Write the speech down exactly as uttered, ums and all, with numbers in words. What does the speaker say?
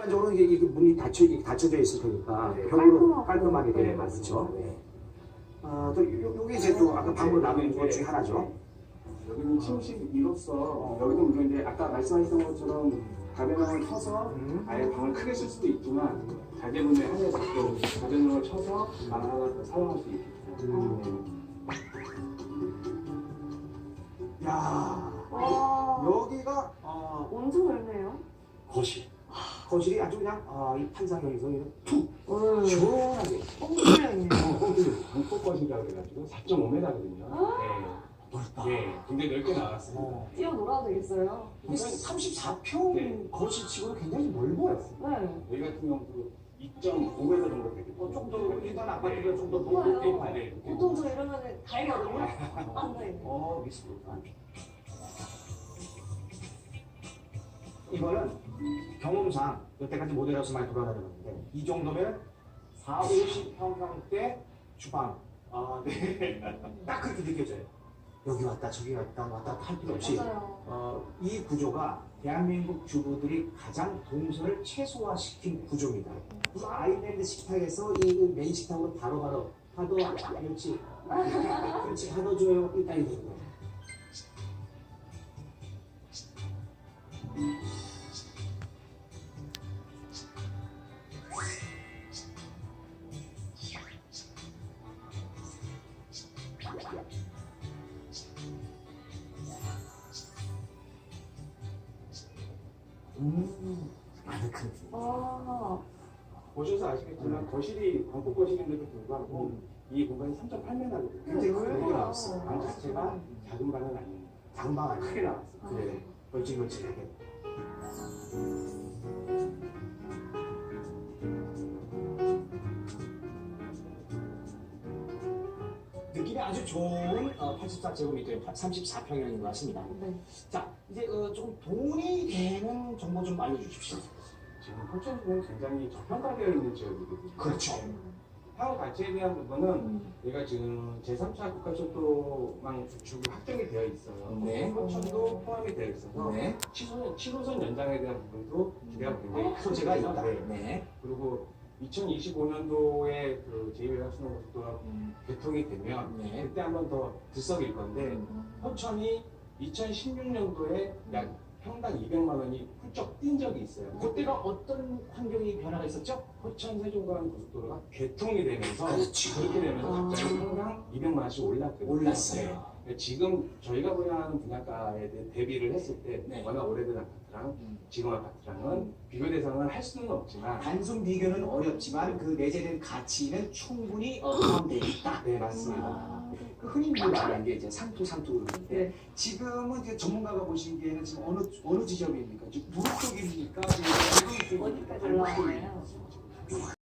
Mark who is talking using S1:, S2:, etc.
S1: 일반적으로 이게, 이게 문이 닫혀, 이게 닫혀져 있을 테니까
S2: 네,
S1: 벽으로 깔끔하게 돼
S2: 네,
S1: 맞죠?
S2: 맞습니다.
S1: 네. 아, 또 요, 요게 이제 또 아까 방으로 나눈 것 중에 하나죠.
S2: 여기는 침실이로서 여기도 물론 이제 아까 말씀하셨던 것처럼 가변형을 쳐서
S1: 음.
S2: 아예 방을 크게 쓸 수도 있지만 자제분에 한해서 또 가변형을 쳐서 방 하나 더 사용할 수 있겠죠.
S1: 음. 야,
S3: 와,
S1: 여기가 어,
S3: 엄청 넓네요.
S1: 거실. 거실이 아주 그냥 아, 이 판상형에서 그냥 툭
S3: 음.
S1: 시원하게.
S3: 뻥뚫려있네요.
S2: 방폭거실이라고 해가지고 사 점 오 미터거든요.
S1: 넓다.
S2: 네, 네, 굉장히 넓게 나왔습니다.
S1: 어.
S3: 뛰어놀아도 되겠어요.
S1: 이게 삼십사 평
S2: 네.
S1: 거실치고는 굉장히 넓어요.
S3: 네.
S2: 여기 같은 경우도 이 점 오 미터 정도 되겠죠.
S1: 어, 좀더 일반 아파트가 좀더
S3: 좋아요.
S1: 높게 봐야 돼.
S3: 보통 저 이러면 다이거든요? 안 돼.
S1: 어, 미스. 이거는 경험상 여태까지 모델하우스 많이 돌아다녔는데 이 정도면 사, 오십 평형대 주방. 아, 네. 딱 그렇게 느껴져요. 여기 왔다 저기 왔다 왔다 할 필요 없이
S3: 맞아요.
S1: 어, 이 구조가 대한민국 주부들이 가장 동선을 최소화시킨 구조입니다. 이 아일랜드 식탁에서 이 메인 식탁으로 바로바로 파도 그렇지 그렇지 파도 줘요 일단 이거 음 아늑한
S3: 아,
S2: 보셔서 아시겠지만 거실이 방폭 거실인데도 불구하고 이 공간이 삼 점 팔 미터거든요.
S1: 굉장히 크게
S3: 넓어요.
S1: 나왔어.
S2: 방 자체가 작은 방은 아닙니다.
S1: 장방 아니야
S2: 크게 나왔어요.
S1: 그래 걸찍걸찍하게 느낌이 아주 좋은 어, 팔십사 제곱미터의 삼십사 평형인 것 같습니다.
S3: 네.
S1: 자 이제 어, 좀 돈이 되는 정보 좀 알려주십시오.
S2: 지금 포천시는 굉장히 저평가되어 있는 지역이거든요.
S1: 그렇죠.
S2: 향후 가치에 대한 부분은 얘가 지금 제삼 차 국가철도망 구축이 확정이 되어 있어요.
S1: 네.
S2: 포천도 포함이 되어 있어서
S1: 네.
S2: 칠 호선 연장에 대한 부분도 기대가 굉장히 큰
S1: 소재가 있다.
S2: 네.
S1: 네.
S2: 그리고 이천이십오 년도에 그 제이 외곽순환고속도로가 개통이 되면
S1: 네.
S2: 그때 한 번 더 들썩일 건데 포천이 이천십육 년도에 약 평당 이백만 원이 훌쩍 뛴 적이 있어요.
S1: 그때가 어떤 환경이 변화가 있었죠?
S2: 포천 세종간 고속도로가 개통이 되면서
S1: 그렇지.
S2: 그렇게 되면서
S3: 아.
S2: 갑자기 평당 이백만 원씩 올랐거든요.
S1: 올랐어요.
S2: 네. 지금 저희가 분양하는 분양가에 대- 대비를 했을 때
S1: 네.
S2: 워낙 오래된 아파트랑 지금 아파트랑은 비교 대상을 할 수는 없지만
S1: 단순 비교는 어렵지만 그 내재된 가치는 충분히 어, 포함되어 있다.
S2: 네 맞습니다.
S3: 아,
S1: 그 흔히 우리가 말하는 게 이제 상투 상투 그러는데
S3: 네.
S1: 지금은 이제 전문가가 보시기에는 지금 어느 어느 지점입니까? 지금 도로 쪽입니까? 지금
S3: 어디까지 올라가나요?